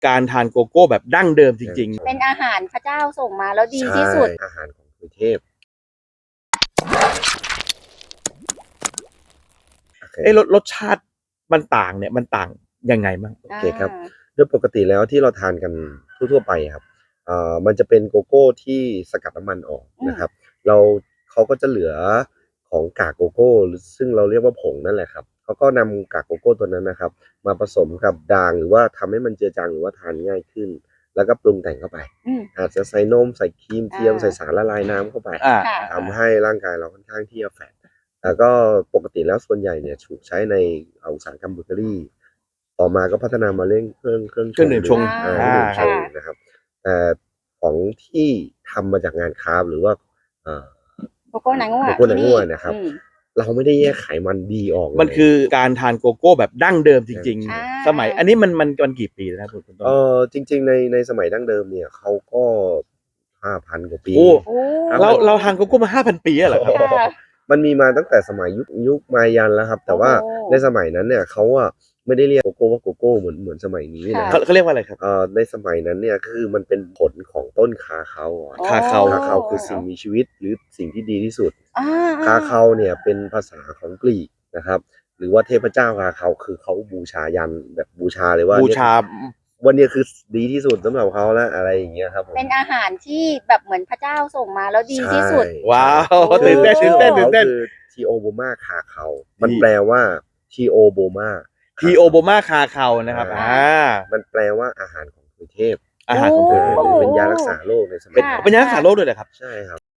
การทานโกโก้แบบดั้งเดิมจริงๆเป็นอาหารพระเจ้าส่งมาแล้วดีที่สุดอาหารของกรุงเทพรสชาติมันต่างเนี่ยมันต่างยังไงบ้างโอเคครับโดยปกติแล้วที่เราทานกันทั่วๆไปครับมันจะเป็นโกโก้ที่สกัดน้ำมันออกนะครับเขาก็จะเหลือของกากโกโก้ซึ่งเราเรียกว่าผงนั่นแหละครับเขาก็นำกากโกโก้ตัวนั้นนะครับมาผสมกับด่างหรือว่าทำให้มันเจือจางหรือว่าทานง่ายขึ้นแล้วก็ปรุงแต่งเข้าไปอาจจะใส่นมใส่ครีมเทียมใส่สารละลายน้ำเข้าไปทำให้ร่างกายเราค่อนข้างที่จะแฟตแล้วก็ปกติแล้วส่วนใหญ่เนี่ยถูกใช้ในอุตสาหกรรมเบเกอรี่ต่อมาก็พัฒนามาเรื่องเครื่องดื่มชงนะครับแต่ของที่ทำมาจากงานคราฟหรือว่าโกโก้นางง่วนะครับเราไม่ได้แยกไขมันดีออกมันคือการทานโกโก้แบบดั้งเดิมจริงๆสมัยอันนี้มันกี่ปีแล้วคุณต้นจริงๆในสมัยดั้งเดิมเนี่ยเขาก็ 5,000 กว่าปีเราทานโกโก้มา 5,000 ปีแล้วเหรอครับมันมีมาตั้งแต่สมัยยุคมายันแล้วครับแต่ว่าในสมัยนั้นเนี่ยเขาไม่ได้เรียกโกโก้ว่าโกโก้เหมือนสมัยนี้นะเขาเรียกว่าอะไรครับในสมัยนั้นเนี่ยคือมันเป็นผลของต้นคาเคาคาเคาคือสิ่งมีชีวิตหรือสิ่งที่ดีที่สุดคาเคาเนี่ยเป็นภาษาของกรีกนะครับหรือว่าเทพเจ้าคาเคาคือเขาบูชายันแบบบูชาเลยว่าบูชาวันนี้คือดีที่สุดสำหรับเขาแล้วอะไรอย่างเงี้ยครับเป็นอาหารที่แบบเหมือนพระเจ้าส่งมาแล้วดีที่สุดว้าวตื่นเต้นคือทีโอโบมาคาเคามันแปลว่าทีโอโบมาคาเคานะครับมันแปลว่าอาหารของเทพอาหารของเทพเป็นยารักษาโรคในสมัยเป็นยารักษาโรคด้วยเหรอครับใช่ครับ